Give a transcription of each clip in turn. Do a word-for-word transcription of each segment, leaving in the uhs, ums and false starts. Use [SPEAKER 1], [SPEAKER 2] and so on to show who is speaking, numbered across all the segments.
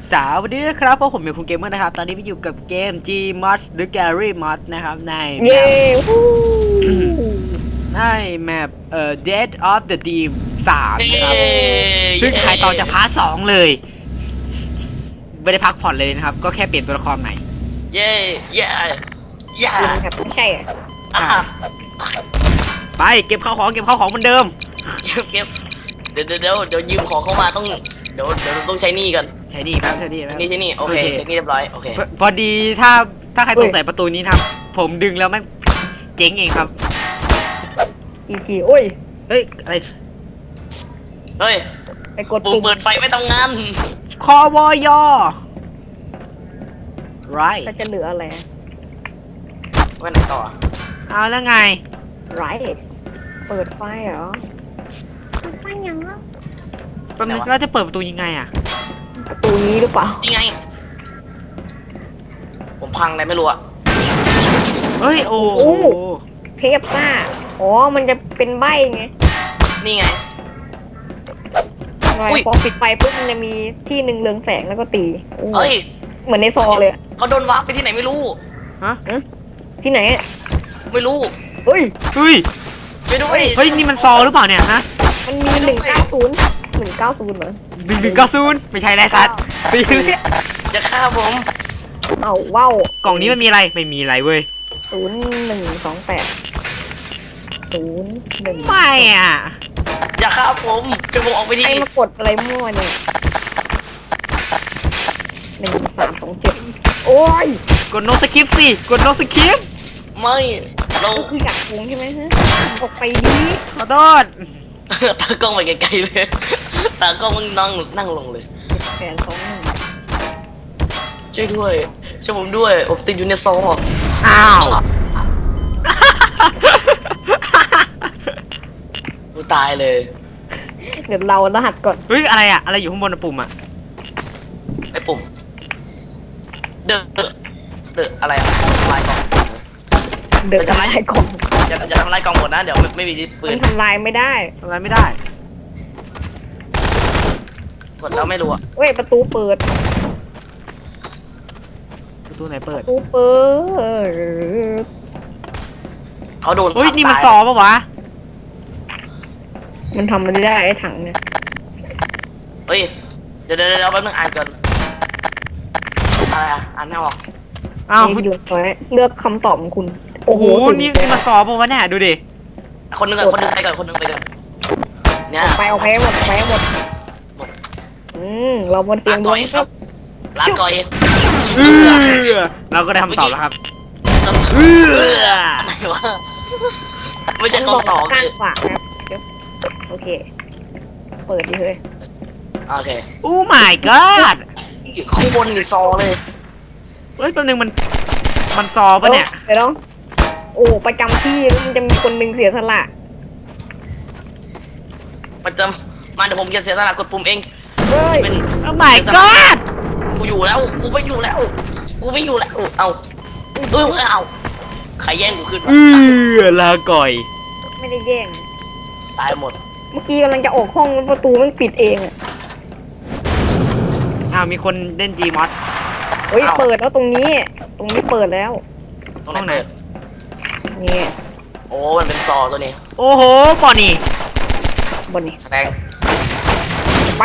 [SPEAKER 1] สวัสดีครับพวกผมเป็นคุณเกมเมอร์นะครับตอนนี้ไปอยู่กับเกม Gmod The Gallery Mod นะครับในแม
[SPEAKER 2] เย้
[SPEAKER 1] ปในแมปเอ่อ Dead of the Dream สามนะครับซึ่งถ่ายต่อจากพาร์ทสองเลยไม่ได้พักผ่อนเลยนะครับก็แค่เปลี่ยนตัวละครใหม่
[SPEAKER 3] เย่เย่เย่
[SPEAKER 2] คุณครับไม่ใช่อ่ะ
[SPEAKER 3] อ่ะ
[SPEAKER 1] ไปเก็บข้าวของเก็บข้าวของเหมือนเดิม
[SPEAKER 3] เก็บเก็บเดี๋ยวเดี๋ยวเดี๋ยวเดี๋ยวยืมของเข้ามาต้องเดี๋ยวเดี๋ยวต้องใช้หนี้กัน
[SPEAKER 1] ใช่นี่แป๊บใช่นี่แป๊บ
[SPEAKER 3] นี่ใช้หนี้โอเคใช้หนี้เรียบร้อยโอเค
[SPEAKER 1] พอพอดีถ้าถ้าใครสงสัยประตูนี้นะครับผมดึงแล้วไม่เจ๊งเองครับ
[SPEAKER 2] อีจีโอ้ย
[SPEAKER 1] เฮ้ยอะไร
[SPEAKER 3] เฮ้ย
[SPEAKER 2] ไปกด
[SPEAKER 3] ปุ่ม
[SPEAKER 2] ปุ่ม
[SPEAKER 3] เปิดไฟไม่ทำงาน
[SPEAKER 1] คอวอยอไร
[SPEAKER 2] ก็จะเหลืออะไร
[SPEAKER 3] ไว้ไหนต่อ
[SPEAKER 1] เอาแล้วไง
[SPEAKER 2] ไรเปิดไฟเหรอเปิดไฟยังอ่ะ
[SPEAKER 1] แป๊บนึงเราจะเปิดประตูยังไงอ่ะ
[SPEAKER 2] ประตูนี้หรือเปล่า
[SPEAKER 3] นี่ไงผมพังอะไรไม่รู้อะ
[SPEAKER 1] เฮ้ยโอ้โห
[SPEAKER 2] เทปหน้าอ๋อมันจะเป็นใบไง
[SPEAKER 3] นี่ไง
[SPEAKER 2] ทำไม
[SPEAKER 3] อุ๊ย
[SPEAKER 2] พอปิดไฟปุ๊บมันจะมีที่หนึ่งเรืองแสงแล้วก็ตีโอ้
[SPEAKER 3] เฮ้ย
[SPEAKER 2] เหมือนในซอเลยอะ
[SPEAKER 3] เขาโดนวาร์ปไปที่ไหนไม่รู้
[SPEAKER 1] ฮะ
[SPEAKER 2] ที่ไหนอะ
[SPEAKER 3] ไม่รู้
[SPEAKER 2] เฮ้ย
[SPEAKER 1] เฮ้ย
[SPEAKER 3] ไปด้วย
[SPEAKER 1] เฮ้ยนี่มันซอหรือเปล่าเนี่ยฮะ
[SPEAKER 2] มันมีหนึ่งเก้าศูนย์หนึ่งเก้าศูนย์เหรอ
[SPEAKER 1] หนึ่งหนึ่งเก้าศูนย์ไม่ใช่ไรสัตว์ตีเลย
[SPEAKER 3] จะฆ่าผม
[SPEAKER 2] เอาว้าว
[SPEAKER 1] กล่องนี้มันมีอะไรไม่มีอะไรเว้ย
[SPEAKER 2] ศูนย์หนึ่งสองแปดศูนย์หนึ่ง
[SPEAKER 1] ไม่อ่ะ
[SPEAKER 3] อย่าฆ่าผมจะผมออกไป
[SPEAKER 2] ใคร
[SPEAKER 3] ดี
[SPEAKER 2] มากดอะไรมั่วเนี่ยหนึ่งสามสองเจ็ดโอ้ย
[SPEAKER 1] กดโนสคริปสิกดโนสคริป
[SPEAKER 3] ไม่เรา
[SPEAKER 2] ก็คืออยากโกงใช่ไหมฮะออกไปดิ
[SPEAKER 1] ขอโทษ
[SPEAKER 3] ตากล้องไปไกลๆเลยตากล้องมันนั่งนั่งลงเลย
[SPEAKER 2] แผนสองหนึ่ง
[SPEAKER 3] ช่วยด้วยช่วยผมด้วยผมติดอยู่ในซอ
[SPEAKER 1] อ้าว
[SPEAKER 3] กูตายเลย
[SPEAKER 2] เดี๋ยวเรารหัสก่อน
[SPEAKER 1] เฮ้ยอะไรอ่ะอะไรอยู่ข้างบนอะปุ่มอ่ะ
[SPEAKER 3] ไอ้ปุ่มเดอะเดอะอะไรอะทำลายกล่อง
[SPEAKER 2] เดินทำลายกล่อง
[SPEAKER 3] อย่าอย่าทำลายกล่องหมดนะเดี๋ยวไม่ไม่มีปื
[SPEAKER 2] มัน นทำลายไม่ได้
[SPEAKER 1] ทำอะไรไม่ได้
[SPEAKER 3] กดแล้วไม่รู้อะ
[SPEAKER 2] เว้ยประตูเปิด
[SPEAKER 1] ประตูไหนเปิ
[SPEAKER 2] ป
[SPEAKER 1] ด
[SPEAKER 2] ระตูเปิด
[SPEAKER 3] เขาโดน
[SPEAKER 1] เฮ้ย
[SPEAKER 3] ทับ
[SPEAKER 1] นี่มัน
[SPEAKER 3] ตาย
[SPEAKER 1] ซอปะวะ
[SPEAKER 2] มันทำมันได้ไอ้ถังเนี่ย
[SPEAKER 3] เฮ้ยเดี๋ยวเดี๋ยวเดี๋ยวแป๊บนึงอ่านก่อนอะไรอะอ่านไม่ออก
[SPEAKER 1] อ้าว
[SPEAKER 2] นี่เลือกไว้เลือกคำตอบของคุณ
[SPEAKER 1] โอ้โห
[SPEAKER 2] สุด
[SPEAKER 1] นี่
[SPEAKER 2] เลย
[SPEAKER 1] นี่มันซอปะวะเนี่ยดูดิ
[SPEAKER 3] คนหนึงก่อนคนหนึงไปก่อนคนหนึงไปก่อนเนี่ย
[SPEAKER 2] ออกไปออกไปให้หมดออกไปให้หมดอืมเราบนเสีย
[SPEAKER 3] ลาง
[SPEAKER 2] ด
[SPEAKER 3] ก่
[SPEAKER 2] ว
[SPEAKER 3] อง ยครับลาก่อย
[SPEAKER 1] เออเราก็ได้คำตอบแล้วครับ
[SPEAKER 3] เอออะไรวะไม่ใช่
[SPEAKER 2] บอก
[SPEAKER 3] คำตอบ
[SPEAKER 2] ข้าง
[SPEAKER 3] คือ
[SPEAKER 2] ขวาครับเดี๋ยวโอเค เปิดดิเฮ้ย
[SPEAKER 3] โอเค
[SPEAKER 1] โอ้ my god
[SPEAKER 3] ข้างบนนี่ซอเลย
[SPEAKER 1] เฮ้ยแป๊บนึงมันมันซอปะเนี่ย
[SPEAKER 2] เดี๋ยวต้องโอ้ประจำที่แล้วมันจะมีคนหนึ่งเสียสละ
[SPEAKER 3] ประจำมาเดี๋ยวผมจะเสียสละกดปุ่มเอง
[SPEAKER 2] เฮ้ย
[SPEAKER 3] เป็น
[SPEAKER 1] โอ้ my god
[SPEAKER 3] กูอยู่แล้ว กูไม่อยู่แล้ว กูไม่อยู่แล้ว เอาเออเอาใครแย่งกูขึ้น
[SPEAKER 1] เออลาก่อย
[SPEAKER 2] ไม่ได้แย่ง
[SPEAKER 3] ตายหมด
[SPEAKER 2] เมื่อกี้กำลังจะออกห้องแล้วประตูมันปิดเองอ่ะ
[SPEAKER 1] อ้าวมีคนเล่น Gmod
[SPEAKER 2] เฮ้ยเปิดแล้วตรงนี้ ตรงนี้เปิดแล้ว
[SPEAKER 3] ตรงไหน
[SPEAKER 1] ห้องไหน
[SPEAKER 3] เปิด
[SPEAKER 2] นี่
[SPEAKER 3] โอ้ มันเป็นซอตัวนี้
[SPEAKER 1] โอ้โหปอนี่
[SPEAKER 2] บนนี้
[SPEAKER 3] แสดง
[SPEAKER 2] ไป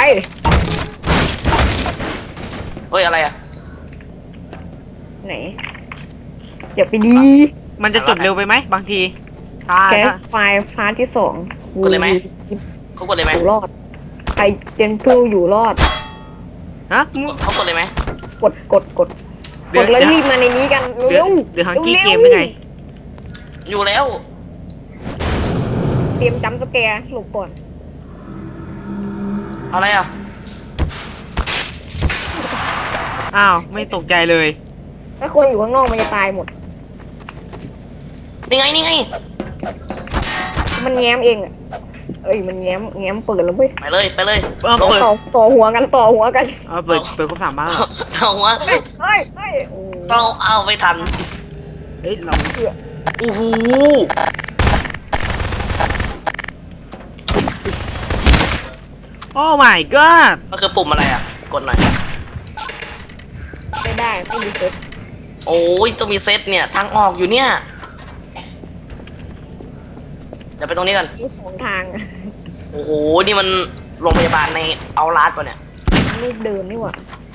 [SPEAKER 3] เฮ้ย อะไรอ่ะ
[SPEAKER 2] ไหนอย่าไปดี
[SPEAKER 1] มันจะจบเร็วไปไหมบางทีถ้า
[SPEAKER 2] แคส
[SPEAKER 1] ถ้า
[SPEAKER 2] ไฟล์พาร์ทที่สอง
[SPEAKER 3] กดเลยไหม เขากดเลยไหม
[SPEAKER 2] อยู่รอดใครเจนผู้อยู่รอด
[SPEAKER 1] ฮะ
[SPEAKER 3] เขากดเลยไหม
[SPEAKER 2] กดกดกด
[SPEAKER 1] เดี๋
[SPEAKER 2] ก
[SPEAKER 1] ยว
[SPEAKER 2] ดแล้วรีบมาในนี้กัน
[SPEAKER 1] เดี๋ย
[SPEAKER 2] เร็
[SPEAKER 1] ว
[SPEAKER 2] ว
[SPEAKER 1] เดี๋ยวฮังกี้
[SPEAKER 2] ร็ว
[SPEAKER 1] เกมได้ไง
[SPEAKER 3] อยู่แล้ว
[SPEAKER 2] เตรียมจำสแกร์หลบก่อน
[SPEAKER 3] อะไรอ่ะ
[SPEAKER 1] อ้าวไม่ตกใจเลย
[SPEAKER 2] ถ้าคนอยู่ข้างนอกมันจะตายหมด
[SPEAKER 3] นี่ไง นี่ไง
[SPEAKER 2] มันแง้มเองอ่ะเอ้ยมันแง้มแง้มเปิดแล้วเว้ย
[SPEAKER 3] ไปเลย ไปเลย
[SPEAKER 1] เออเปิด
[SPEAKER 2] ต่อต่อหัวกันต่อหัวกัน
[SPEAKER 1] เอาเปิดเปิดครบสามบ้าง
[SPEAKER 3] เอาวะ
[SPEAKER 2] เฮ้ยเฮ้ยเฮ้ยโอ้
[SPEAKER 3] เราเอาไปทัน
[SPEAKER 1] เฮ้ยเรา
[SPEAKER 3] โอ้โห
[SPEAKER 1] โอ้ my god
[SPEAKER 3] มันคือปุ่มอะไรอ่ะ กดหน่อย
[SPEAKER 2] ได้ไม่มีเซ็ต
[SPEAKER 3] โอ้ยต้องมีเซตเนี่ยทางออกอยู่เนี่ยเดี๋ยวไปตรงนี้กัน
[SPEAKER 2] มีสองทางอะ
[SPEAKER 3] โอ้โหนี่มันโรงพยาบาลในเอาลาดป่ะเนี่ย
[SPEAKER 2] รูปเดิมนี่หว่า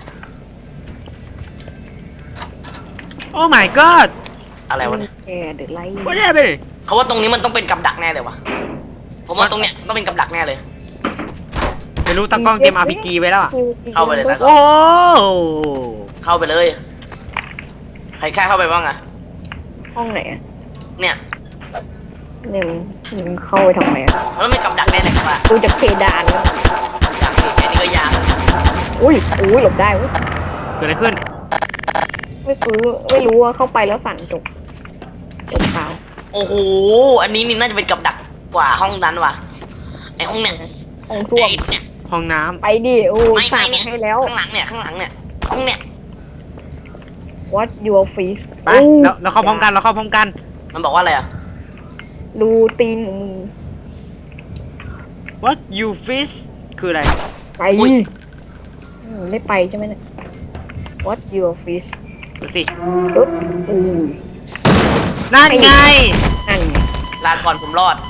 [SPEAKER 1] โอ้ my god
[SPEAKER 3] อะไรวะเนี่ย
[SPEAKER 2] แกเดือดไล่
[SPEAKER 1] what happened
[SPEAKER 3] เขาว่าตรงนี้มันต้องเป็นกับดักแน่เลยวะผมว่าตรงเนี้ยต้องเป็นกับดักแน่เลย
[SPEAKER 1] ไม่รู้ตากล้องเตรียม อาร์ พี จี ไว้แล้วอ่ะ
[SPEAKER 3] เข้าไปเลยนะ
[SPEAKER 1] โอ้
[SPEAKER 3] เข้าไปเลย ใครกล้าเข้าไปบ้างอะ
[SPEAKER 2] ห้องไหนอะ
[SPEAKER 3] เนี่ย
[SPEAKER 2] เนี่ยมึงเข้าไปทำไมอะ
[SPEAKER 3] แล้วไม่กับดักแน่เลยครับว่า
[SPEAKER 2] ดูจากเพดานแล้ว
[SPEAKER 3] อยากเห็นแค่นี้ก็ยาก
[SPEAKER 2] อุ้ยอุ้ยหลบได้เว้ย
[SPEAKER 1] เกิดอะไรขึ้น
[SPEAKER 2] ไม่รู้ไม่รู้ว่าเข้าไปแล้วสั่นจบจบเปล่า
[SPEAKER 3] โอ้โหอันนี้นี่น่าจะเป็นกับดักกว่าห้องนั้นว่ะไอห้องเนี่ย
[SPEAKER 2] ห้องส้วม
[SPEAKER 3] ไอ้เนี่ย
[SPEAKER 1] ห้องน้
[SPEAKER 2] ไปดิโอ้
[SPEAKER 3] ไม่
[SPEAKER 2] สั่
[SPEAKER 3] ไม่
[SPEAKER 2] ง
[SPEAKER 3] เนี่ย
[SPEAKER 2] ให้แล้ว
[SPEAKER 3] ข้างหลังเนี่ยข้างหลังเนี่ยห้องเนี่ย
[SPEAKER 2] what your face
[SPEAKER 1] ำไปเราเราเข้าพร้อมกันเราเข้าพร้อมกัน
[SPEAKER 3] มันบอกว่าอะไรอะ
[SPEAKER 2] ดูตีนของมึง
[SPEAKER 1] what you fish คืออะไร
[SPEAKER 2] ไปอืมไม่ไปใช่ไหมเนี่ย what your face
[SPEAKER 1] ดูสิ
[SPEAKER 2] ปึ๊บอือ
[SPEAKER 1] นั่นไง
[SPEAKER 2] นั่นไง
[SPEAKER 3] ลาก่อนผมรอด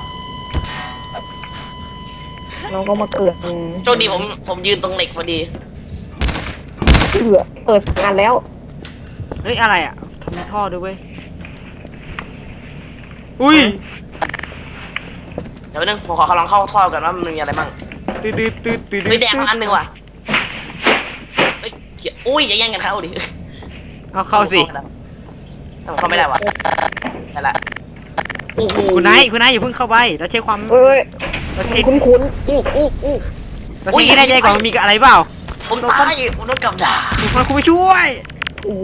[SPEAKER 2] เราก็มาเกิดอืม
[SPEAKER 3] โชคดีผมผมยืนตรงเหล็กพอดี
[SPEAKER 2] เอือเปิดงานแล้ว
[SPEAKER 1] เฮ้ย อะไรอ่ะทำมีท่อด้วยเว้ย อุ้ย
[SPEAKER 3] เดี๋ยวนึงผมขอลองเข้าท่อกันว่ามันมีอะไรบ้าง
[SPEAKER 1] ตืดตืดตืดตืด
[SPEAKER 3] เฮ้ยแดงมาอันหนึ่งว่ะเฮ้ยเหี้ยอุ้ยอย่าแย่งกันเข้าดิ
[SPEAKER 1] เอาเข้าสิ
[SPEAKER 3] ผมเข้าไม่ได้ว่ะได้ละโอ้โห
[SPEAKER 1] คุณไนท์คุณไนท์อย่าเพิ่งเข้าไปเราเช็คความ
[SPEAKER 2] เอ้ย
[SPEAKER 1] เราเช็ค
[SPEAKER 2] คุ้นคุ้น
[SPEAKER 3] อู้อู้อู้
[SPEAKER 1] เราเช็คให้แน่ใจก่อนมันมีอะไรเปล่า
[SPEAKER 3] ผมตายผมโดนกับดัก
[SPEAKER 1] คุณคุณไปช่วย
[SPEAKER 2] ๆโอ้โห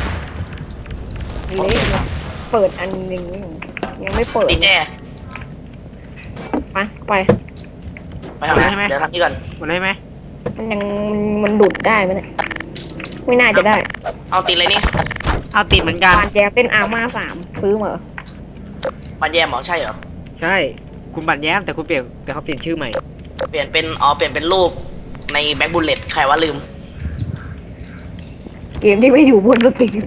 [SPEAKER 2] เละเปิดอันหนึ่งยังไม่เปิด
[SPEAKER 3] ดีเจ
[SPEAKER 2] ไปไป
[SPEAKER 3] ไปทางไหนเดี๋ยวทางนี้ก่อน
[SPEAKER 1] หมดเลยไหม
[SPEAKER 2] มันยังมันดุดได้ไหมเนี่ยไม่น่าจะได้
[SPEAKER 3] เอาติดเลยนี่
[SPEAKER 1] เอาติดเหมือนกัน
[SPEAKER 2] ปานแกเป็นอาม่าสามซื้อมาเหรอ
[SPEAKER 3] ปันแยมเหรอใช่เหรอ
[SPEAKER 1] ใช่ คุณบัตรแย้มแต่คุณเปลี่ยนแต่เขาเปลี่ยนชื่อใหม่
[SPEAKER 3] เปลี่ยนเป็นอ๋อเปลี่ยนเป็นรูปในแบ็คบุลเลตใครว่าลืม
[SPEAKER 2] เกมที่ไม่อยู่บนสตรีม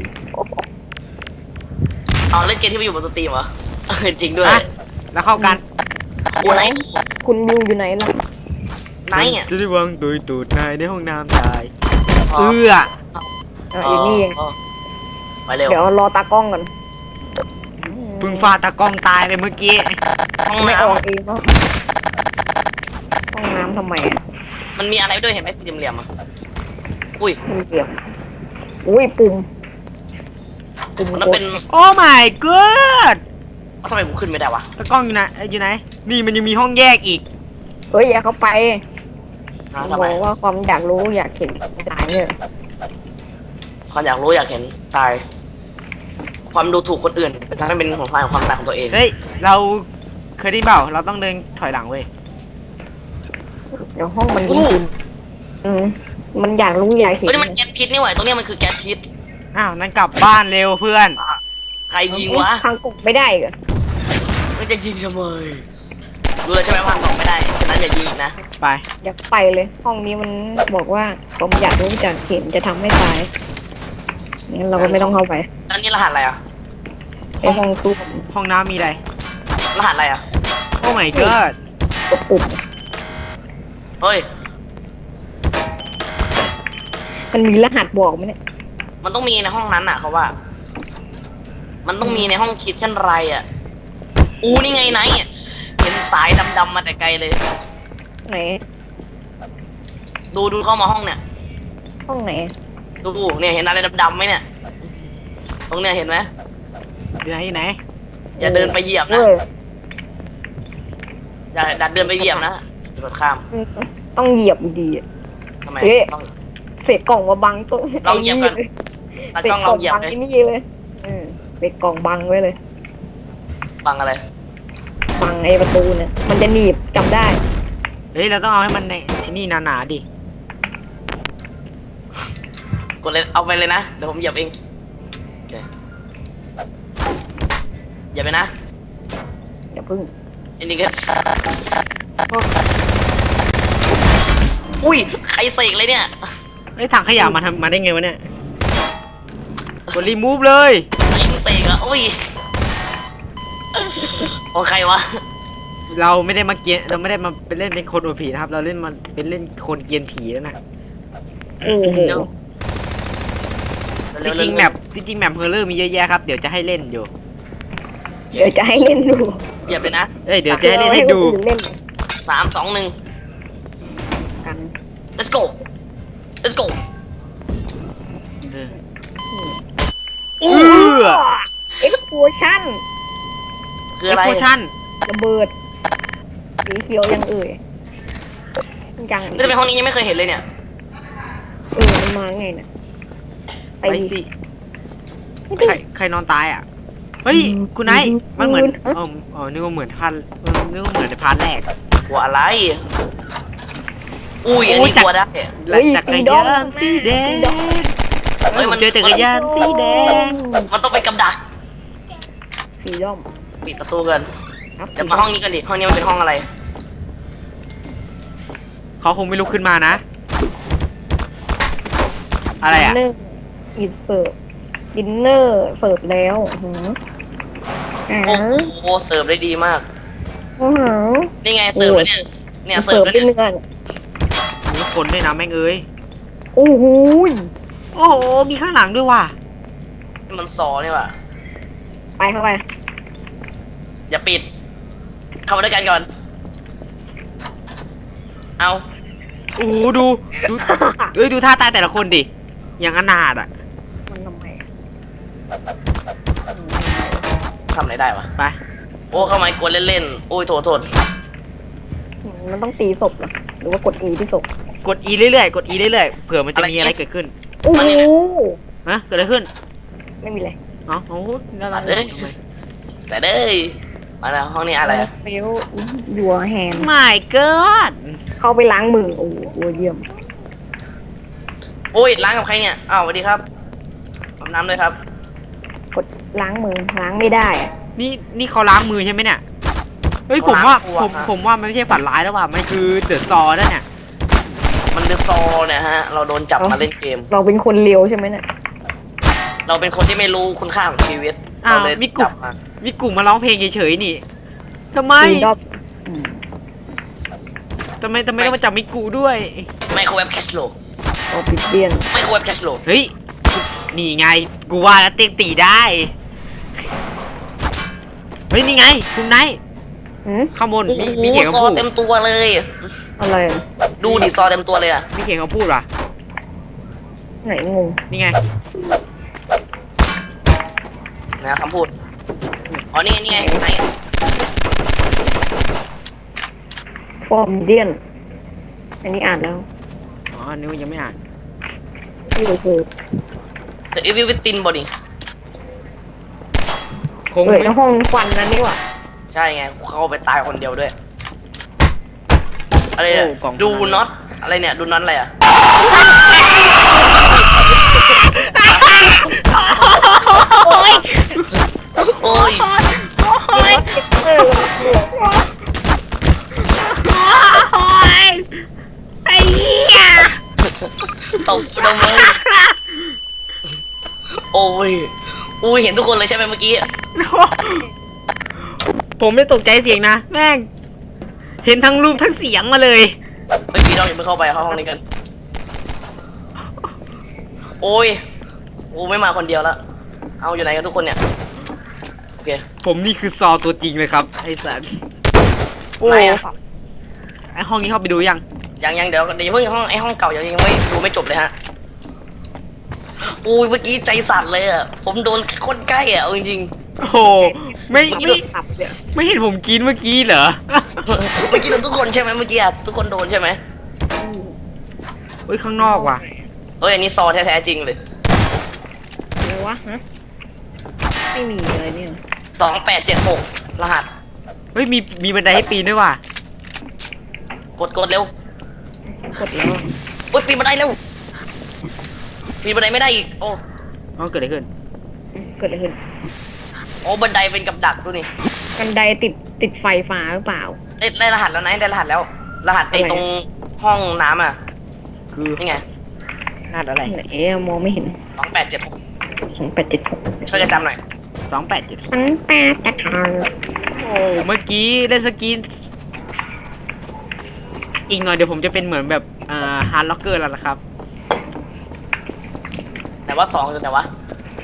[SPEAKER 3] เอาเล่นเกมที่ไม่อยู่บนสตรีมเหรอเออจริงด้วย
[SPEAKER 1] อ่ะ แล้วเข้ากัน
[SPEAKER 3] โอ้ไหน
[SPEAKER 2] คุณยูอยู่ไหนล่ะ
[SPEAKER 3] ไหนอ่ะ
[SPEAKER 1] จะได้วางตุยตูดนายในห้องน้ำชาย
[SPEAKER 3] อ๋อ
[SPEAKER 1] เอื้อ
[SPEAKER 2] อ่ะอยู่นี่เอง
[SPEAKER 3] อ๋อไปเร็ว
[SPEAKER 2] เดี๋ยวรอตากล้องก่อน
[SPEAKER 1] เพึ่งฟาดตากล้องตายไปเมื่อกี้
[SPEAKER 3] ห้อง
[SPEAKER 2] ไม่
[SPEAKER 3] น้
[SPEAKER 2] ออกเองเนาะห้องน้ำทำไมอ่ะ
[SPEAKER 3] ำมันมีอะไรด้วยเห็นไหมสี่เหลี่ยมๆอ่ะอุ้ย
[SPEAKER 2] มันเกี่ยวอุ้ยปุ่มปุ่ม
[SPEAKER 3] มัน
[SPEAKER 2] กด
[SPEAKER 3] เป็น
[SPEAKER 1] โอ้ my god
[SPEAKER 3] ทำไมกูขึ้นไม่ได้วะ
[SPEAKER 1] ตากล้องอยู่ไหนเอ้ยอยู่ไหน นี่มันยังมีห้องแยกอีก
[SPEAKER 2] เฮ้ยอย่าเข้าไป
[SPEAKER 3] อ้าว
[SPEAKER 2] บ
[SPEAKER 3] ทำไม
[SPEAKER 2] อกว่าความอยากรู้อยากเห็นตายเนี่ย
[SPEAKER 3] ความอยากรู้อยากเห็นตาย ความดูถูกคนอื่นทำให้เป็นของทางความตายของตัวเอง
[SPEAKER 1] เฮ้ย เราเคยได้ยินเปล่า เราต้องเดินถอยหลังเว้ย
[SPEAKER 2] เดี๋ยวห้องมันคุ้นๆอืมมันอยากรู้อยากเห็น
[SPEAKER 3] เฮ้ยนี่มันแก๊สพิษนี่หว่าตรงเนี้ยมันคือแก๊สพิษ
[SPEAKER 1] อ้าว นั่นกลับบ้านเร็วเพื่อน
[SPEAKER 3] ใครยิงวะ
[SPEAKER 2] ทางกดไม่ได้เหรอ
[SPEAKER 3] มันจะยิงทำไมรู้แล้วใช่ไหมว่าตอบไม่ได้ฉะนั้นอย่ายิงอีกนะ
[SPEAKER 1] ไป
[SPEAKER 2] อยากไปเลย ห้องนี้มันบอกว่าความอยากรู้อยากเห็นจะทำให้ตายงั้นเราก็ไม่ต้องเข้าไป
[SPEAKER 3] แล้วนี่รหัสอะไรอ่ะ
[SPEAKER 2] ไอห้องตู้
[SPEAKER 1] ห้องน้ำมีอะไร
[SPEAKER 3] รหัสอะไรอ่ะ
[SPEAKER 1] โอ้ my god
[SPEAKER 2] กดปุ่ม
[SPEAKER 3] เฮ้ย
[SPEAKER 2] มันมีรหัสบอกไหมเนี่ย
[SPEAKER 3] มันต้องมีในห้องนั้นอ่ะเขาว่า มันต้องมีในห้องคิดเช่นไรอ่ะ อูนี่ไงไนท์อะเห็นสายดำๆมาแต่ไกลเลย
[SPEAKER 2] ไหน
[SPEAKER 3] ดูดูเข้ามาห้องเนี่ย
[SPEAKER 2] ห้องไหน
[SPEAKER 3] ดูเนี่ยเห็นอะไรดำๆไหมเนี่ย ตรงเนี่ยเห็นไหม
[SPEAKER 1] อยู่ไหนอยู่ไหน
[SPEAKER 3] อย่าเดินไปเหยียบนะ
[SPEAKER 2] เว้ย
[SPEAKER 3] อย่าดัดเดินไปเหยียบนะเดี๋ยวข้าม
[SPEAKER 2] ต้องเหยียบดีอะ
[SPEAKER 3] ทำไม
[SPEAKER 2] เอ๊ะ
[SPEAKER 3] ต้อง
[SPEAKER 2] เศษกล่องมาบังตัว
[SPEAKER 3] ลองเหยียบก่อน ตา
[SPEAKER 2] เศษ
[SPEAKER 3] กล้อง
[SPEAKER 2] ก
[SPEAKER 3] ล
[SPEAKER 2] ล่
[SPEAKER 3] อ
[SPEAKER 2] อง ง
[SPEAKER 3] เหยียบ
[SPEAKER 2] บัง
[SPEAKER 3] เลย
[SPEAKER 2] ไอ้นี่เลยเออเศษกล่องบังไว้เลย
[SPEAKER 3] บังอะไร
[SPEAKER 2] บังไอ้ประตูเนี่ย มันจะหนีบจำได้
[SPEAKER 1] เฮ้ย เราต้องเอาให้มันในไอ้นี่หนาๆดิ
[SPEAKER 3] กดเลยเอาไปเลยนะเดี๋ยวผมเหยียบเองโอเคเหยียบไปนะ
[SPEAKER 2] อย่าพึ่ง
[SPEAKER 3] อันนี้ก็อุ้ยใครเสกเลยเนี่ย
[SPEAKER 1] เฮ้ยถังขยะมาทำมาได้ไงวะเนี่ยกดรีมูฟเลย
[SPEAKER 3] ไอ้เตะอะโอ้ยโอใครวะ
[SPEAKER 1] เราไม่ได้มาเกียนเราไม่ได้มาเป็นเล่นเป็นคนโอผีนะครับ เราเล่นมาเป็นเล่นคนเกียนผีแล้วนะ
[SPEAKER 2] โอ้โห
[SPEAKER 1] จริงๆแมปจริงๆแมปเฮอร์เรอร์มีเยอะแยะครับเดี๋ยวจะให้เล่นอยู่
[SPEAKER 2] เดี๋ยวจะให้เล่นดู
[SPEAKER 3] เหยียบเลยนะ
[SPEAKER 1] เอ้ยเดี๋ยวจะให้เล่นให้ดู
[SPEAKER 2] เล่น
[SPEAKER 3] สามสองหนึ่ง
[SPEAKER 2] กัน
[SPEAKER 3] let's go let's go
[SPEAKER 1] เออ
[SPEAKER 3] อู้
[SPEAKER 1] เออ
[SPEAKER 2] เอ็กซ์โพชั่น
[SPEAKER 3] คืออะไร
[SPEAKER 1] โพชั่น
[SPEAKER 2] ระเบิดสีเขียวยังเอ่ยยัง
[SPEAKER 3] นี่จะเป็นห้องนี้ยังไม่เคยเห็นเลยเนี่ย
[SPEAKER 2] เออมันมาไงเนี่ย
[SPEAKER 1] ไปสิใครใครนอนตายอ่ะเฮ้ยคุณไนท์มันเหมือนอ๋ออ๋อนึกว่าเหมือนพันนึกว่าเหมือนในพาร์ทแรก
[SPEAKER 3] กลัวอะไร อุ้ยอัน
[SPEAKER 1] โอ้ย
[SPEAKER 3] นี้
[SPEAKER 1] จัก
[SPEAKER 3] กลัวได้
[SPEAKER 1] และจักรยานสีแดงเฮ้ยมันเจอจักรยานสีแดง
[SPEAKER 3] มันต้องไปกับดัก
[SPEAKER 2] สีด้อม
[SPEAKER 3] ปิดประตูกัน
[SPEAKER 2] ครับ
[SPEAKER 3] เดี๋ยวมาห้องนี้กันดิ ห้องนี้มันเป็นห้องอะไร
[SPEAKER 1] เขาคงไม่ลุกขึ้นมานะ อะไรอ่ะ
[SPEAKER 2] ดินเนอร์อินเสิร์ฟดินเนอร์เสิร์ฟแล้วหืออ่า
[SPEAKER 3] โอ้โหเสิร์ฟได้ดีมาก
[SPEAKER 2] อื้อหือ
[SPEAKER 3] นี่ไงเสิร์ฟแล้วเนี่ย เนี่ยเสิ
[SPEAKER 2] เสิ
[SPEAKER 3] ร์
[SPEAKER 2] ร์
[SPEAKER 3] ฟ
[SPEAKER 2] ฟ
[SPEAKER 3] แล้ว
[SPEAKER 2] ด้วย
[SPEAKER 3] เนี่ย
[SPEAKER 2] เนื้อ
[SPEAKER 1] มีคนด้วยนะแม่งเอ้ย
[SPEAKER 2] โอ้โห
[SPEAKER 1] โอ้โหมีข้างหลังด้วยว่ะ
[SPEAKER 3] นี่มันซอนี่ว่ะ
[SPEAKER 2] ไปเข้าไป
[SPEAKER 3] อย่าปิด เข้ามาด้วยกันก่อน เอา
[SPEAKER 1] โอ้โหดูดูเอ้ยดูท่าตายแต่ละคนดิอย่างอนาถอ่ะ
[SPEAKER 2] มันทำไมอะ
[SPEAKER 3] ทำอะไรได้วะ
[SPEAKER 1] ไป
[SPEAKER 3] โอ้เข้ามากวนเล่นๆ โอ้ยโทษโทษ
[SPEAKER 2] มันต้องตีศพเหรอหรือว่ากด E ที่ศพ
[SPEAKER 1] กด E เรื่อยๆกด E เรื่อยๆเผื่อมันจะมีอะไรเกิดขึ้น
[SPEAKER 2] โอ้โห
[SPEAKER 1] ฮะเกิดอะไรขึ้น
[SPEAKER 2] ไม่มีอะไร
[SPEAKER 1] เอ๋อโอ้โหน่ารัก
[SPEAKER 3] เอ้ย
[SPEAKER 1] ทำไม
[SPEAKER 3] แต่เด้ยมาแล้วห้องนี้อะไรอะ
[SPEAKER 2] เฟลยัวแฮน
[SPEAKER 1] ไม่เกิด
[SPEAKER 2] เข้าไปล้างมือ โอ้โหเยี่ยม
[SPEAKER 3] โอ้ยล้างกับใครเนี่ย อ้าวสวัสดีครับอาบน้ำเลยครับ
[SPEAKER 2] กดล้างมือ ล้างไม่ได้อะ
[SPEAKER 1] นี่นี่เขาล้างมือใช่ไหมเนี่ยเฮ้ยผมว่า
[SPEAKER 3] เขาล้างตัว
[SPEAKER 1] ผม
[SPEAKER 3] ครับ
[SPEAKER 1] ผมว่ามันไม่ใช่ฝันร้ายแล้วว่ะมันคือเดอะซอนั่นเนี่ย
[SPEAKER 3] มันเป็นซอเนี่ยฮะ เราโดนจับมาเล่นเกม
[SPEAKER 2] เราเป็นคนเลียวใช่ไหมเนี่ย
[SPEAKER 3] เราเป็นคนที่ไม่รู้คุณค่าของชีวิต
[SPEAKER 1] อ้าว
[SPEAKER 3] เราเลย
[SPEAKER 1] มีกลุ่
[SPEAKER 3] จั
[SPEAKER 1] ม
[SPEAKER 3] บมา
[SPEAKER 1] มีกลุ่มมาร้องเพลงเฉยๆนี่ทำไม
[SPEAKER 2] ตีรอบอืม
[SPEAKER 1] ทำไมทำไมต้องมาจับมิกูด้วย
[SPEAKER 3] ไมโครเวฟแคชโล
[SPEAKER 2] เอาปิดเบียน
[SPEAKER 3] ไมโครเวฟแคชโล
[SPEAKER 1] เฮ้ยนี่ไงกูว่าแล้วเตียงตีได้เฮ้ยนี่ไงคุณไนท์
[SPEAKER 2] หืม
[SPEAKER 1] ข้างบน
[SPEAKER 3] โอ้โห
[SPEAKER 1] มีมีเขียน
[SPEAKER 3] ซ
[SPEAKER 1] คำ
[SPEAKER 3] อ
[SPEAKER 1] พูด
[SPEAKER 3] เต็มตัวเลย
[SPEAKER 2] อะไรอะ
[SPEAKER 3] ดูดิซอเต็มตัวเลยอะ
[SPEAKER 1] มีเขียนคำพูดว่ะ
[SPEAKER 2] ไหนงง
[SPEAKER 1] นี่ไง
[SPEAKER 3] นะคำพูด อ๋อ นี่นี่ไงไหน
[SPEAKER 2] ฟอร์มเดียน อันนี้อ่านแล้ว
[SPEAKER 1] อ๋อนึกว่ายังไม่อ่าน
[SPEAKER 2] นี่ก็คือ
[SPEAKER 3] แต่อีวิวิตินบอดี้
[SPEAKER 1] คง
[SPEAKER 2] เปิด
[SPEAKER 1] ไม่
[SPEAKER 2] ห้องควันนั้นนี่หว่า
[SPEAKER 3] ใช่ไง เข้าไปตายคนเดียวด้วย อะไรเนี่ย
[SPEAKER 1] โอ้กล่อง
[SPEAKER 3] ดูน็อต อะไรเนี่ย ดูน็อตอะไรอะโอ้ย
[SPEAKER 1] โอ้ย
[SPEAKER 2] เออ
[SPEAKER 1] โอ้ยไอ้เหี้ย
[SPEAKER 3] ตบดมเลยโอ้ยอุ้ยเห็นทุกคนเลยใช่ไหมเมื่อกี้
[SPEAKER 1] ผมไม่ตกใจเสียงนะแม่งเห็นทั้งรูปทั้งเสียงมาเลย
[SPEAKER 3] เฮ้ยพี่น้องอย่าไปเข้าไปเข้าห้องนี้กัน โอ้ยโอ้ไม่มาคนเดียวแล้ว เอาอยู่ไหนกันทุกคนเนี่ย โอเค
[SPEAKER 1] ผมนี่คือซอตัวจริงเลยครับไอ้สัสโอ้
[SPEAKER 3] ไหนอะ
[SPEAKER 1] ไอห้องนี้เข้าไปดูยัง
[SPEAKER 3] ยังยังเดี๋ยวเดี๋ยวเพิ่งห้องไอห้องเก่ายังยังไม่ดูไม่จบเลยฮะอุ้ยเมื่อกี้ใจสั่นเลยอ่ะ ผมโดนคนใกล้อ่ะเอาจริง
[SPEAKER 1] โอ้โหไม่
[SPEAKER 2] ไม่
[SPEAKER 1] ไม่
[SPEAKER 2] ขับเนี่ย
[SPEAKER 1] ไม่เห็นผมกินเมื่อกี้เหรอ
[SPEAKER 3] ๆ เมื่อกี้โดนทุกคนใช่ไหมเมื่อกี้อ่ะทุกคนโดนใช่ไหม
[SPEAKER 1] เฮ้ยข้างนอกว่ะ
[SPEAKER 3] เอ้ยอันนี้ซอแท้ๆจริงเลย
[SPEAKER 2] อะไรวะฮะไม่มีเลยเนี่ย
[SPEAKER 3] สองแปดเจ็ดหกรหัส
[SPEAKER 1] เฮ้ยมีมีบันไดให้ปีนด้วยว่ะ
[SPEAKER 3] กดกดเร็ว
[SPEAKER 2] กดแล้ว
[SPEAKER 3] โอ้ยปีนบันไดเร็วปีนบันไดไม่ได้อีกโอ้
[SPEAKER 1] อ๋อเกิดอะไรขึ้น
[SPEAKER 2] เกิดอะไรขึ้น
[SPEAKER 3] โอ้บันไดเป็นกับดักตัวนี้
[SPEAKER 2] กันไดติดติดไฟฟ้าหรือเปล่า
[SPEAKER 3] ได้ได้รหัสแล้วนะได้รหัสแล้ว รหัสไอ้
[SPEAKER 2] อะไร
[SPEAKER 3] ตรงห้องน้ำอ่ะ
[SPEAKER 1] คือ
[SPEAKER 3] นี่ไง
[SPEAKER 1] นาดอะไร
[SPEAKER 2] ไหนอะมองไม่เห็น
[SPEAKER 3] สองแปดเจ็ดหก
[SPEAKER 2] สองแปดเจ็ดหก
[SPEAKER 3] ช่วยกันจำหน่อย
[SPEAKER 1] สองแปดเจ็ด
[SPEAKER 2] สองแปดเจ็ดหก
[SPEAKER 1] โอ้เมื่อกี้ได้สกินอีกหน่อยเดี๋ยวผมจะเป็นเหมือนแบบอ่าฮาร์ดล็อกเกอร์แล้วล่ะครับ
[SPEAKER 3] แต่ว่าสองคือแต่ว่า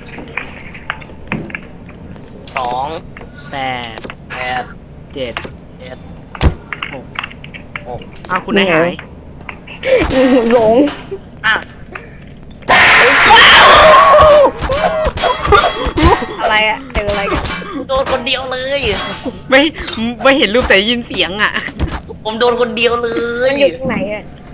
[SPEAKER 3] สอง
[SPEAKER 1] แปด
[SPEAKER 3] แปด
[SPEAKER 1] เจ็ด
[SPEAKER 3] เจ็ด
[SPEAKER 1] หก
[SPEAKER 3] หก
[SPEAKER 1] อ้าวคุณนายหาย
[SPEAKER 2] หลง
[SPEAKER 3] อ่ะ
[SPEAKER 2] อะไรอะเจออะไรกัน
[SPEAKER 3] โดนคนเดียวเลย
[SPEAKER 1] ไม่ไม่เห็นรูปแต่ได้ยินเสียงอ่ะ
[SPEAKER 3] ผมโดนคนเดียวเล
[SPEAKER 2] มัน
[SPEAKER 3] ย
[SPEAKER 2] อยู่ตรงไหนอะ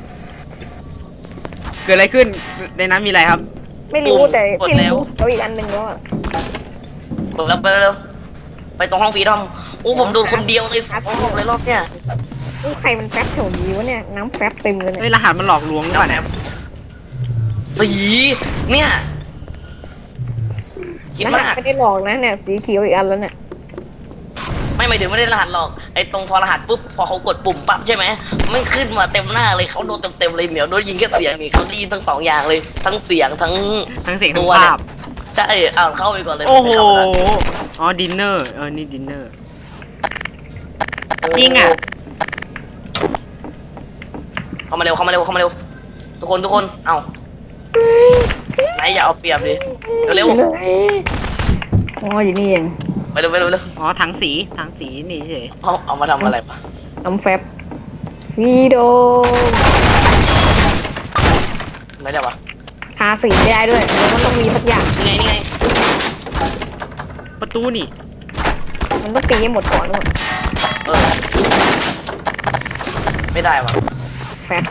[SPEAKER 1] เกิดอะไรขึ้นในนั้นมีอะไรครับ
[SPEAKER 2] ไม่รู้แต่ที่รู้เขาอีกอันหนึ่งแล้วอะ
[SPEAKER 3] กดแล้วไปแล้วไปตรงห้องฟรีดอมโอ้ผมโดนคนเดียวเลยสองห้องเลยรอบเนี้ย
[SPEAKER 2] นี่ใครมันแฟบแถวนี้วะเนี่ยน้ำแฟบเต็มเลย
[SPEAKER 1] เฮ้ย
[SPEAKER 2] เนี่ย
[SPEAKER 1] รหัสมันหลอกลวงหรือเปล่าเนี่ย
[SPEAKER 3] สีเนี่ยคิด
[SPEAKER 2] ร
[SPEAKER 3] มา
[SPEAKER 2] หัส
[SPEAKER 3] ก
[SPEAKER 2] ไม่ได้หลอกนะเนี่ยสีเขียวอีกอันแล้วเนี่ย
[SPEAKER 3] ไม่หมายถึงไม่ได้รหัสหรอกไอ้ตรงพอรหัสปุ๊บพอเขากดปุ่มปั๊บใช่ไหมไม่ขึ้นมาเต็มหน้าเลยเขาโดนเต็มๆเลยเหมียวโดนยิงแค่เสียงนี่เขาได้ยินทั้งสองอย่างเลยทั้งเสียงทั้ง
[SPEAKER 1] ทั้งเสียงทั้
[SPEAKER 3] ตั
[SPEAKER 1] ง
[SPEAKER 3] ว
[SPEAKER 1] ภาพ
[SPEAKER 3] ใช่อ่าเข้าไปก่อนเลย
[SPEAKER 1] โอ้โห
[SPEAKER 3] ไม่เข้าไปละ
[SPEAKER 1] อ๋อ ดินเนอร์ เออ นี่ดินเนอร์ จริงอะ
[SPEAKER 3] เข้ามาเร็วเข้ามาเร็วเข้ามาเร็วทุกคนทุกคนเอ้าไหนอย่าเอาเปรียบดิเร็ว
[SPEAKER 2] อ๋ออยู่นี่เอง
[SPEAKER 3] ๆไปเร็วไปเร็วไปเร็ว
[SPEAKER 1] อ๋อ ถังสี ถังสีนี่เฉย
[SPEAKER 3] เอาเอามาทำอะไรปะ
[SPEAKER 2] น้ำแฟบวีโด
[SPEAKER 3] ไม่ได้ปะ
[SPEAKER 2] ทาสีไม่ได้ด้วยมันก็ต้องมีสักอย่าง
[SPEAKER 3] นี่ไงนี่ไง
[SPEAKER 1] ประตูนี่
[SPEAKER 2] มันต้องตีให้หมดก่อนด้วย
[SPEAKER 3] เออไม่ได้ปะ
[SPEAKER 2] แฟบ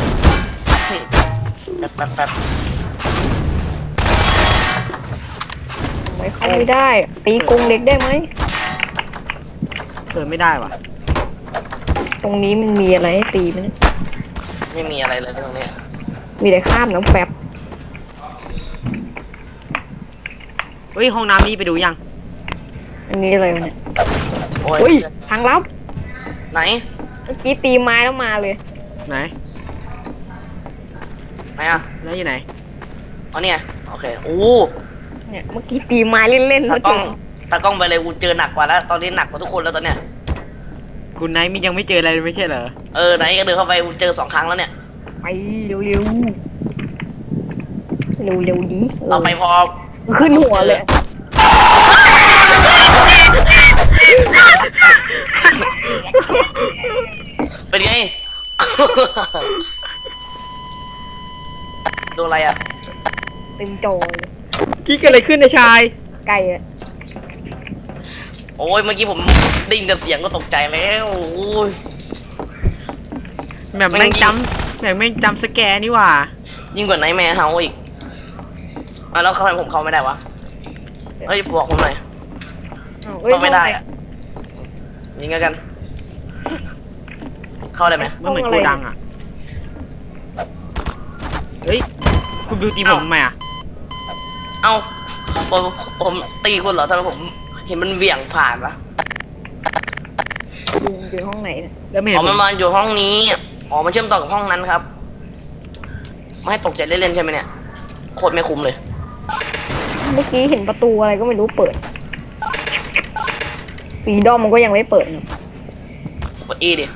[SPEAKER 3] แป๊บแป๊บแป๊บ
[SPEAKER 2] ไม่เข้าไม่ได้ ตีกรงเล็กได้ไหม
[SPEAKER 1] เปิดไม่ได้ว่ะ
[SPEAKER 2] ตรงนี้มันมีอะไรให้ตีไหมเนี่ย
[SPEAKER 3] ไม่มีอะไรเลยตรงนี้
[SPEAKER 2] มีแต่ข้ามน้ำแฟบ
[SPEAKER 1] เฮ้ย ห้องน้ำนี่ไปดูยัง
[SPEAKER 2] อันนี้อะไรวะเนี่ย
[SPEAKER 3] โอ้
[SPEAKER 2] อุ้ย
[SPEAKER 3] ย
[SPEAKER 2] ทางลับ
[SPEAKER 3] ไหน
[SPEAKER 2] เมื่อกี้ตีไม้แล้วมาเลย
[SPEAKER 1] ไหน
[SPEAKER 3] ไหนอ่ะ
[SPEAKER 1] แล้วอยู่ไหน
[SPEAKER 3] อ๋อเนี่ยโอเคโอ้
[SPEAKER 2] เนี่ยเมื่อกี้ตีไม้เล่นๆแล้
[SPEAKER 3] ตาว กล้
[SPEAKER 2] เจ
[SPEAKER 3] อง
[SPEAKER 2] อ
[SPEAKER 3] ตากล้องไปเลยกูเจอหนักกว่าแล้วตอนนี้หนักกว่าทุกคนแล้วตอนเนี้ย
[SPEAKER 1] คุณไนท์มียังไม่เจออะไรเลยไม่ใช่เหรอ
[SPEAKER 3] เออไหนก็เดินเข้าไปกูเจอสองครั้งแล้วเนี่ย
[SPEAKER 2] ไปเร็วๆเร็วๆดี
[SPEAKER 3] ต่อไปพอ
[SPEAKER 2] ขึ้นหัวเลย
[SPEAKER 3] เป็นไง โดนอะไรอ่ะ
[SPEAKER 2] เต็มจอเลย
[SPEAKER 1] กี้เกิดอะไรขึ้นในชาย
[SPEAKER 2] ไก่อะ
[SPEAKER 3] โอ้ยเมื่อกี้ผมได้ยินแต่เสียงก็ตกใจแล้วโอ้ย
[SPEAKER 1] แบบแม่งจำแบบแม่งจำสแกนนี่หว่า
[SPEAKER 3] ยิ่งกว่าไนท์แมร์เฮาอีกอ่ะแล้วทำไมผมเข้าไม่ได้วะเฮ้ยบอกผมหน่อย
[SPEAKER 2] อ้าวเอ้ย
[SPEAKER 3] เข้าไม่ได้อ่ะยิงกัน เข้าได้ไหม
[SPEAKER 1] มันเหมือนโกดังอ่ะ เฮ้ย คุณบิวตีผมทำไมอ่ะ
[SPEAKER 3] เอ้าผมผมตีคุณเหรอทำไมผมเห็นมันเหวี่ยงผ่านวะ
[SPEAKER 2] อยู่อยู่ห้องไหนเนี่ย
[SPEAKER 1] แล้วไม่เห็
[SPEAKER 3] อ๋
[SPEAKER 1] น
[SPEAKER 3] อ
[SPEAKER 1] ผ
[SPEAKER 3] มัน
[SPEAKER 1] ม
[SPEAKER 3] มาอยู่ห้องนี้อ๋อมันเชื่อมต่อกับห้องนั้นครับไม่ให้ตกใจเล่นๆใช่ไหมเนี่ยโคตรไม่คุ้มเลย
[SPEAKER 2] เมื่อกี้เห็นประตูอะไรก็ไม่รู้เปิดปีดอมมันก็ยังไม่เปิดนะ
[SPEAKER 3] กดอีดิ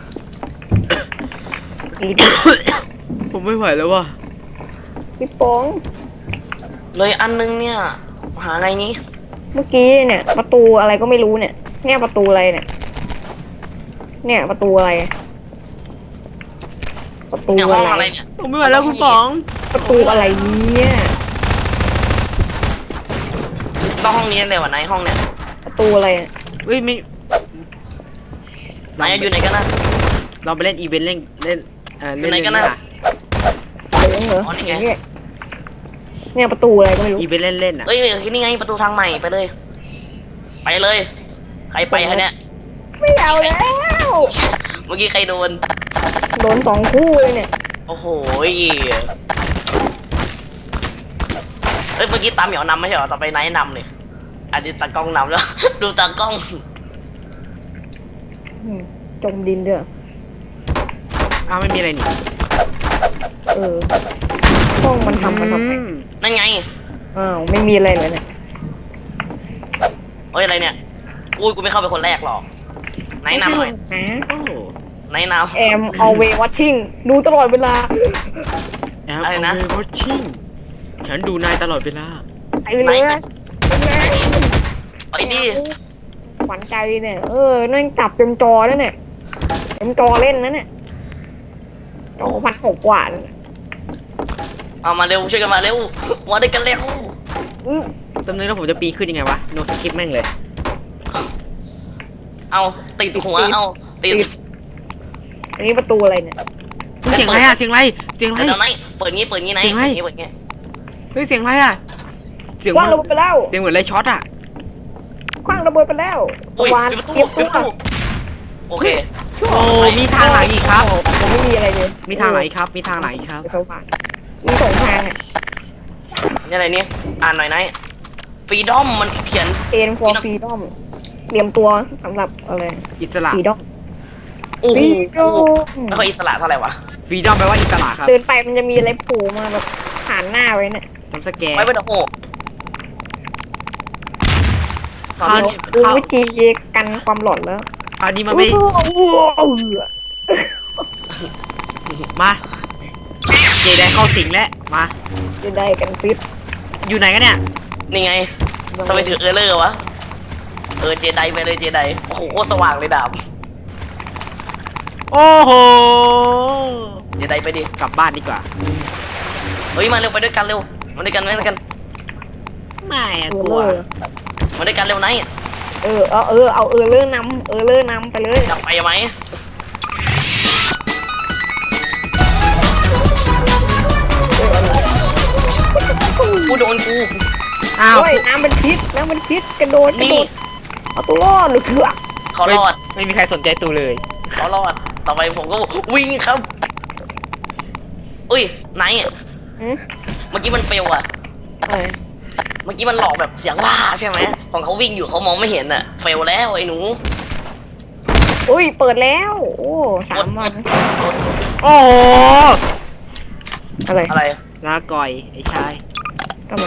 [SPEAKER 2] ปีดอม
[SPEAKER 1] ผมไม่ไหวแล้วว่ะ
[SPEAKER 2] พี่โป้ง
[SPEAKER 3] เลยอันนึงเนี่ยหาไงนี้
[SPEAKER 2] เมื่อกี้เนี่ย ประตูอะไรก็ไม่รู้เนี่ย เนี่ยประตูอะไรเนี่ย เนี่ยประตูอะไร ประตู
[SPEAKER 3] เนี่ยห้
[SPEAKER 2] อะ
[SPEAKER 3] องอะไร
[SPEAKER 2] ไร
[SPEAKER 3] เนี่ย
[SPEAKER 1] ผมไม่ไหวแล้วคุณป๋อง
[SPEAKER 2] ประตูอะไรเนี่ย
[SPEAKER 3] ต้องห้องนี้เลยว่ะไหนห้องเนี่ย
[SPEAKER 2] ประตูอะไรอะ
[SPEAKER 1] เฮ้ยไม่
[SPEAKER 3] ไหนอะอยู่ไหนกันนะ
[SPEAKER 1] เราไปเล่นอีเวนต์เล่นเล่นเอ่อ
[SPEAKER 3] อยู่
[SPEAKER 1] เล่น
[SPEAKER 3] ไหนกัน
[SPEAKER 1] เล่
[SPEAKER 3] น่ะ
[SPEAKER 2] เหลืองเหรอ
[SPEAKER 3] อ๋อนี่ไง
[SPEAKER 2] เนี่ยเนี่ยประตูอะไรก็ไม่รู้
[SPEAKER 1] อีเวนต์เล่นเล่นอ่ะ
[SPEAKER 3] เอ้ยนี่ไงประตูทางใหม่ไปเลย ไปเลย ใครไปคะเนี่ย
[SPEAKER 2] ไม่เอาแล้ว
[SPEAKER 3] เมื่อกี้ใครโดน
[SPEAKER 2] โดนสองคู่เลยเนี่ย
[SPEAKER 3] โอ้โหยเอ้ยเมื่อกี้ตามเหมียวนำไม่ใช่เหรอต่อไปไนท์นำเลยอันนี้ตากล้องนำแล้ว ดูตากล้อง
[SPEAKER 2] อืมจมดินเด้อ
[SPEAKER 1] อ้าวไม่มีอะไรนี่
[SPEAKER 2] เออห้องมันทำมันทำไม
[SPEAKER 1] อืม
[SPEAKER 3] นั่นไง
[SPEAKER 2] อ้าวไม่มีอะไรเลยเนี่ย
[SPEAKER 3] เฮ้ยอะไรเนี่ยอุ้ยกูไม่เข้าไปคนแรกหรอกไหนนำหน่อย
[SPEAKER 2] ฮะ
[SPEAKER 1] โอ้
[SPEAKER 3] ไหนนำ
[SPEAKER 2] แอม always watching ดูตลอดเวลา
[SPEAKER 1] แอม
[SPEAKER 3] อะไรนะ
[SPEAKER 1] เอาไปวอชชิ่งฉันดูนายตลอดเวลา
[SPEAKER 2] ไปเลยนะไปเลย
[SPEAKER 3] ไปดิ
[SPEAKER 2] ขวัญใจเนี่ยเออนั่งจับเต็มจอแล้วเนี่ยเต็มจอเล่นนะเนี่ยจอพันหกกว่าเนี่ย
[SPEAKER 3] เอามาเร็วช่วยกันมาเร็วมาด้วยกันเร็ว
[SPEAKER 2] อื้อ
[SPEAKER 1] ตำเนินแล้วผมจะปีนขึ้นยังไงวะโนสคริปต์แม่งเลย
[SPEAKER 3] เอาติดหัวเอาติด
[SPEAKER 2] อันนี้ประตูอะไรเนี่ย
[SPEAKER 1] เสียงอะไรอะเสียงอะไรเสียงอะไร
[SPEAKER 3] เดี๋ยวไหนเปิดงี้เปิดงี้ไหน
[SPEAKER 1] เสียงอะไร
[SPEAKER 3] เปิดงี้เปิดงี้
[SPEAKER 1] เฮ้ยเสียงอะไรอะเสียง
[SPEAKER 2] คว้าง
[SPEAKER 1] มัน
[SPEAKER 2] ระเบิดไปแล้ว
[SPEAKER 1] เสียงเหมือนอะไรช็อตอะ
[SPEAKER 2] คว้างระเบิดไปแล้วส
[SPEAKER 3] อุ้ย
[SPEAKER 2] ว่าน
[SPEAKER 3] ปิดประตู
[SPEAKER 2] เตรียม
[SPEAKER 3] ปิ
[SPEAKER 2] ตั
[SPEAKER 3] ดประตู
[SPEAKER 2] ว
[SPEAKER 3] โอเค
[SPEAKER 1] โอ้มีทางไหนอีกครับ
[SPEAKER 2] ผมไม่มีอะไรเลย
[SPEAKER 1] มีทางไหนอีกครับ มีทางไหนอีกครับ
[SPEAKER 2] สว่านมีสองทางอ่ะ
[SPEAKER 3] นี่อะไรเนี่ยอ่านหน่อยไหนฟรีดอมมันเขียน
[SPEAKER 2] เอ็น for freedom เตรียมตัวสำหรับอะไร
[SPEAKER 1] อิสระ
[SPEAKER 2] freedom
[SPEAKER 3] โอ้โห
[SPEAKER 2] freedom
[SPEAKER 3] ไม่ค่อยอิสระเท่าไหร่วะ
[SPEAKER 1] ฟรีดอมแปลว่าอิสระครับ
[SPEAKER 2] เดินไปมันจะมีอะไรโผล่มาแบบผ่านหน้าไว้เนี่ย
[SPEAKER 1] ทำสแกน
[SPEAKER 3] ไม่เป็นโอ้โห
[SPEAKER 1] คราวนี้
[SPEAKER 2] ดูวิธีกันความหลอนแล้ว
[SPEAKER 1] คราวนี้มันไม่
[SPEAKER 2] อู้หูอู้หู
[SPEAKER 1] มาเจไดเข้าสิงแล้วมา
[SPEAKER 2] จะได้กันฟิต
[SPEAKER 1] อยู่ไหนกันเนี่ย
[SPEAKER 3] นี่ไงทำไมถือเออร์เลอร์วะเออเจไดไปเลยเจไดโอ้โหโคตรสว่างเลยดาบ
[SPEAKER 1] โอ้โห
[SPEAKER 3] เจไดไปดิ
[SPEAKER 1] กลับบ้านดีกว่า
[SPEAKER 3] เฮ้ยมาเร็วไปด้วยกันเร็วมาด้วยกันมาด้วยกัน
[SPEAKER 1] ไม่อะ
[SPEAKER 2] เอก อ
[SPEAKER 1] ลัว
[SPEAKER 2] เลอร์
[SPEAKER 3] มาด้วยกันเร็วไหน
[SPEAKER 2] เออเอาเออเอาเออเลอร์นำเออเลอร์นำไปเลย
[SPEAKER 3] จะไปไหมกูโดนกู
[SPEAKER 1] อ้าว
[SPEAKER 2] โอ้ยน้ำเป็นพิษน้ำเป็นพิษกระโดดกระ
[SPEAKER 3] นี่
[SPEAKER 2] โดดเอาตัวรอดหรือเถื่อ
[SPEAKER 3] เขารอด
[SPEAKER 1] ไม่มีใครสนใจตูเลย
[SPEAKER 3] เขารอดต่อไปผมก็วิ่งครับอุ้ยไหนอ่ะ
[SPEAKER 2] อืม
[SPEAKER 3] เมื่อกี้มันเฟลอะ
[SPEAKER 2] อะไร
[SPEAKER 3] เมื่อกี้มันหลอกแบบเสียงว่าใช่ไหมของเขาวิ่งอยู่เขามองไม่เห็นอะเฟลแล้วไอ้หนู
[SPEAKER 2] อุ้ยเปิดแล้วโอ้สามวัน
[SPEAKER 1] โอ้โห
[SPEAKER 2] อะไร
[SPEAKER 3] อะไร
[SPEAKER 1] ลาก่อยไอ้ชาย
[SPEAKER 2] ทำไม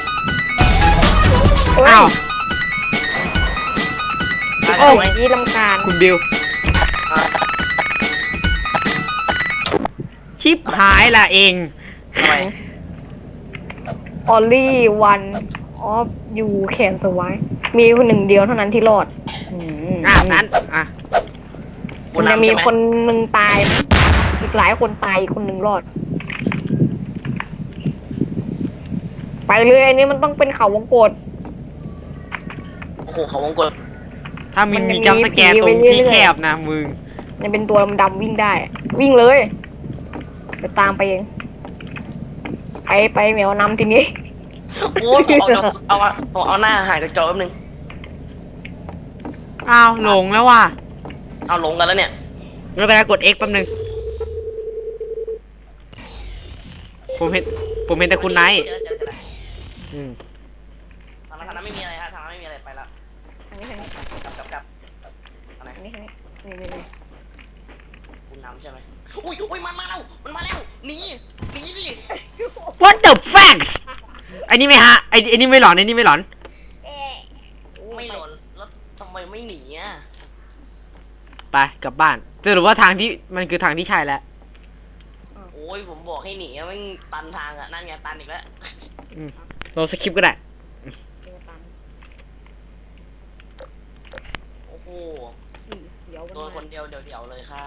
[SPEAKER 2] เฮ้ย
[SPEAKER 1] อ้าว
[SPEAKER 3] อะไร
[SPEAKER 2] โอ้
[SPEAKER 3] ไหม
[SPEAKER 2] ยนี่ลำคาญ
[SPEAKER 1] คุณบิว ชิปหายละเอง
[SPEAKER 3] ทำไม
[SPEAKER 2] ออลลี่วันออฟยูแคนสวายมีคนหนึ่งเดียวเท่านั้นที่รอดอืม
[SPEAKER 1] อ่ะนั้นอ่ะ
[SPEAKER 2] มันจะมีคนหนึ่งตายนะอีกหลายคนตายอีกคนหนึ่งรอด ไปเลยอันนี้มันต้องเป็นเขาวงกต
[SPEAKER 3] โอ้โหเขาวงกด
[SPEAKER 1] ถ้ามี
[SPEAKER 2] มัน
[SPEAKER 1] มี
[SPEAKER 2] มี
[SPEAKER 1] จัมป์สแกน
[SPEAKER 2] ผี
[SPEAKER 1] ตร
[SPEAKER 2] ไว้
[SPEAKER 1] ง
[SPEAKER 2] เรื่อยๆ
[SPEAKER 1] ที่แคบนะมึง
[SPEAKER 2] มันเป็นตัวดำๆวิ่งได้ วิ่งเลยจะตามไปเองไปไปเหมียวนำทีนี้
[SPEAKER 3] โอ้ยเอาเอาเอาเอาเอาหน้าหายจากจอแป๊บนึง
[SPEAKER 1] อ้าวหลงแล้วว่ะ
[SPEAKER 3] เอาลงกันแล้วเนี่ย
[SPEAKER 1] ไม่เป็นไรกด X แป๊บนึง ผมเห็น ผมเห็นแต่คุณไนท์
[SPEAKER 3] เจอแล้วเจอแล้วเจอแล้ว
[SPEAKER 1] อืม
[SPEAKER 3] ทางนั้นทางนั้นไม่มีอะไรฮะทางนั้นไม่มีอะไรไปแล้ว
[SPEAKER 2] อันนี้อันนี้
[SPEAKER 3] กลับกลับกลับอะไร
[SPEAKER 2] อันนี้อันนี้นี่นี่นี่
[SPEAKER 3] คุณนำใช่ไหมอุ้ยอุ้ยมันมาแล้วมันมาแล้วหนีหนีดิ
[SPEAKER 1] What the facts ไอ้นี่ไม่ฮะไอ้ไอ้นี่ไม่หลอนไอ้นี่ไม่หลอน
[SPEAKER 3] ไม่หล่นแล้วทำไมไม่หนีอ่ะ
[SPEAKER 1] ไปกลับบ้านสรุปว่าทางที่มันคือทางที่ใช่แล้ว
[SPEAKER 3] โอ้ยผมบอกให้หนีอะไม่งตันทางอ่ะนั่นไงตันอีกแล้ว
[SPEAKER 1] อืมเราสคริปต์ก็ได้
[SPEAKER 3] โอ้โห
[SPEAKER 2] เสียวมัน
[SPEAKER 3] โดน
[SPEAKER 2] มา
[SPEAKER 3] คนเดียวเดี่ยวๆเลยค่ะ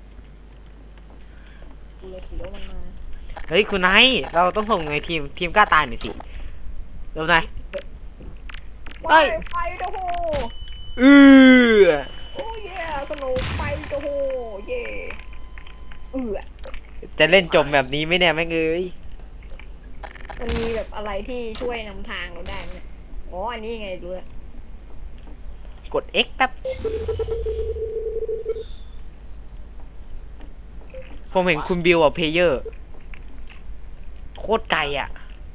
[SPEAKER 2] กูเลยเสียวมันมา
[SPEAKER 1] เฮ้ยคุณไนท์เราต้องส่งในทีมทีมกล้าตายหน่อยสิเร็วหน่อย
[SPEAKER 2] ไปไปโอ้โห
[SPEAKER 1] อือ
[SPEAKER 2] โอ้ยสนุกไปโอ้โหเย่เออ
[SPEAKER 1] จะเล่นจมแบบนี้ไหม่แน่แม่งเอ้ย
[SPEAKER 2] มันมีแบบอะไรที่ช่วยนำทางเราได้ไหมเนี่ยอ๋ออันนี้ไงดูแลว
[SPEAKER 1] กด X แป๊บผมเห็นคุณบิวอ่ะเพลเยอร์โคตรไกลอ่ะ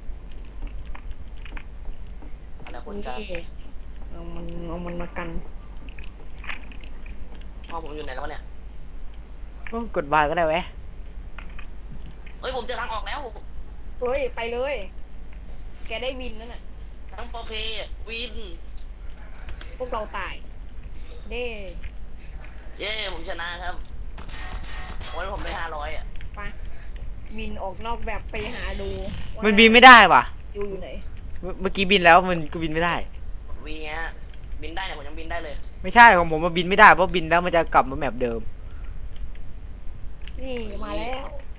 [SPEAKER 3] อะไรคน
[SPEAKER 2] นี่
[SPEAKER 3] กัน
[SPEAKER 2] เอามันเอามันมากัน
[SPEAKER 3] พ่อผมอยู่ไหนแล้ววะเนี่ย
[SPEAKER 1] โอ้กดบายก็ได้แวะ
[SPEAKER 3] เฮ้ยผมเจอทางออกแล้ว
[SPEAKER 2] เฮ้ยไปเลยแกได้วินนั่นน่ะ
[SPEAKER 3] ทั้งโปรเพวิน
[SPEAKER 2] พวกเราตายเด้
[SPEAKER 3] เย้ผมชนะครับวันนี้ผมได้ห้าร้อยอ่ะ
[SPEAKER 2] ไปวินออกนอกแบบไปหาดูว่า
[SPEAKER 1] มันบินไม่ได้ว่ะ
[SPEAKER 2] อยู่อยู่ไหน
[SPEAKER 1] เมื่อเมื่อกี้บินแล้วมันก็บินไม่ได้
[SPEAKER 3] วีเงี้ยบินได้เนี่ยผมยังบินได้เลย
[SPEAKER 1] ไม่ใช่ของผมมันบินไม่ได้เพราะบินแล้วมันจะกลับมาแมปเดิม
[SPEAKER 2] นี่มาแล้ว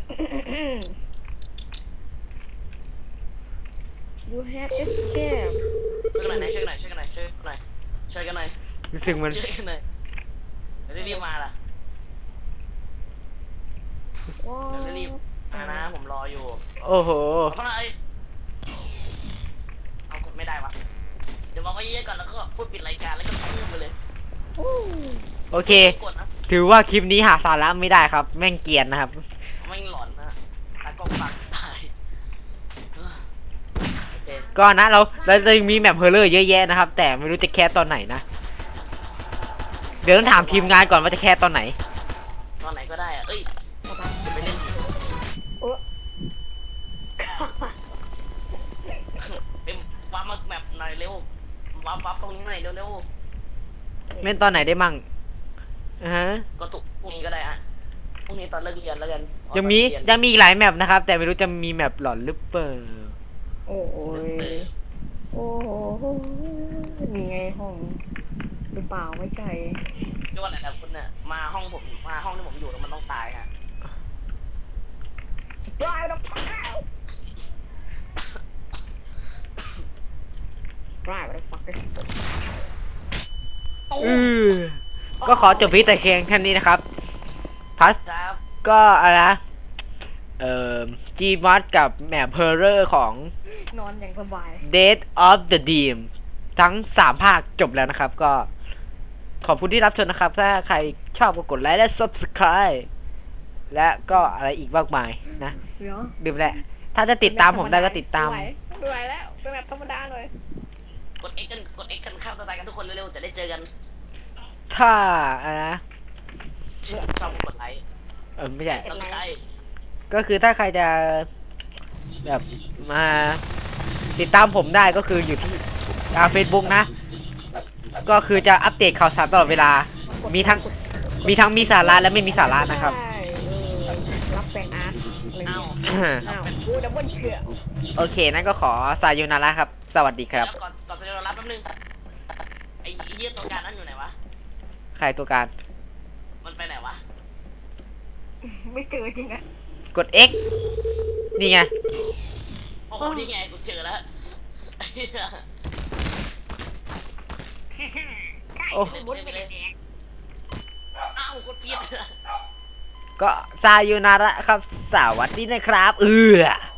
[SPEAKER 2] you have escaped
[SPEAKER 3] ช่วยกันหน่อยนะช่วยกันหน่อยช่วยกันหน่อยช่วยกันหน่อยช่วยกันหน่อย
[SPEAKER 1] รู้สึกมัน
[SPEAKER 3] ช่วยกันหน่อยเดี๋ยวรีบมาล่ะ
[SPEAKER 2] ว้า
[SPEAKER 3] เดี๋ยวรีบมานะผมรออยู่
[SPEAKER 1] โอ้โห
[SPEAKER 3] เอาไปเลยเอากดไม่ได้วะเดี๋ยวบอกว่าเยอะๆก่อนแล้วก็พูดปิดรายการแล้วก็พูดไปเลย
[SPEAKER 2] อู้
[SPEAKER 1] โอเค
[SPEAKER 3] กดนะ
[SPEAKER 1] ถือว่าคลิปนี้หาสาระไม่ได้ครับ แม่งเกรียนนะครับ
[SPEAKER 3] ไม่งหลอนนะตากล้องฟังตายโอเค
[SPEAKER 1] ก็นะเราเราจะมีแมปเพลเลอร์เยอะแยะนะครับ แต่ไม่รู้จะแคสตอนไหนนะ เดี๋ยวต้องถามทีมงานก่อนว่าจะแคสตอนไหน
[SPEAKER 3] ตอนไหนก็ได้อะเอ้ยจะไปเล่น
[SPEAKER 2] เออ
[SPEAKER 3] เอ็มวาร์ปมาแบบหน่อยเร็ววาร์ปวาร์ปตรงนี้หน่อยเร็ว
[SPEAKER 1] เล่นตอนไหนได้มั่งอ่าฮะ
[SPEAKER 3] ๆก็ตุกพรุ่งนี้ก็ได้ฮะพรุ่งนี้ตอนเลิกเรียนแล้วกัน
[SPEAKER 1] ยังมียังมีอีกหลายแมปนะครับ แต่ไม่รู้จะมีแมปหลอนหรือเปล่า
[SPEAKER 2] โอ้ยโอ้โหมีไงห้องหรือเปล่าไม่ใช่
[SPEAKER 3] ก็ว่าหลายๆคนเนี่ยมาห้องผมมาห้องที่ผมอยู่แล้วมันต้องตายฮะ
[SPEAKER 2] ตายแล้วตายแล้วตายแล้วปักเลย
[SPEAKER 1] อือก็ขอจบพิแต่เพียงแค่นี้นะครับพัส
[SPEAKER 3] ครับ
[SPEAKER 1] ก็อะไรนะเอ่อ Gmod กับแมปเพลเลอร์ของ
[SPEAKER 2] นอนอย่างสบาย
[SPEAKER 1] Dead of the Dream ทั้งสามภาคจบแล้วนะครับ ก็ขอบคุณที่รับชมนะครับ ถ้าใครชอบก็กดไลค์และ Subscribe และก็อะไรอีกมากมายนะ
[SPEAKER 2] เดี๋ยว
[SPEAKER 1] ดื่มแหละ ถ้าจะติดตามผมได้ก็ติดตาม
[SPEAKER 2] ไม่ไหวไม่ไหวแล้วเป็นแบบธรรมดาเลย
[SPEAKER 3] กด X กันกด X กันข้ามตัวตายกันทุกคนเร็วๆจะได้เจอกัน
[SPEAKER 1] ถ้าอะไรนะ
[SPEAKER 3] ชอบกดไลค์
[SPEAKER 1] เออไม่ใช่
[SPEAKER 3] ซับสไครต์
[SPEAKER 1] ก็คือถ้าใครจะแบบมาติดตามผมได้ก็คืออยู่ที่เฟซบุ๊กนะ ก็คือจะอัปเดตข่าวสารตลอดเวลา มีทั้งมีทั้งมีสาระและไม่มีสาระนะครับ
[SPEAKER 2] ใช่เออรับแปลงอาร์ตอะไร
[SPEAKER 3] เอ้า
[SPEAKER 2] เงี้ยอ้าวกูดับเบิลเขือ
[SPEAKER 1] โอเค นั่นก็ขอสายโยนาระครับ สวัสดีครับ
[SPEAKER 3] แล้วก่อนก่อนจะรับแป๊บนึงไอ้เยี่ยตัวการนั่นอยู่ไหนวะ
[SPEAKER 1] ใครตัวการ
[SPEAKER 3] มันไปไหนวะ
[SPEAKER 2] ไม่เจอจริงอะ
[SPEAKER 1] กด X นี่ไง
[SPEAKER 3] โอ้โหนี่ไงกูเจอแล้วไอ้เหี้ย
[SPEAKER 1] โอ้
[SPEAKER 3] มุดไปเลยอ้าวกดผิด
[SPEAKER 1] ก็สายโยนาระครับ สวัสดีนะครับ เออ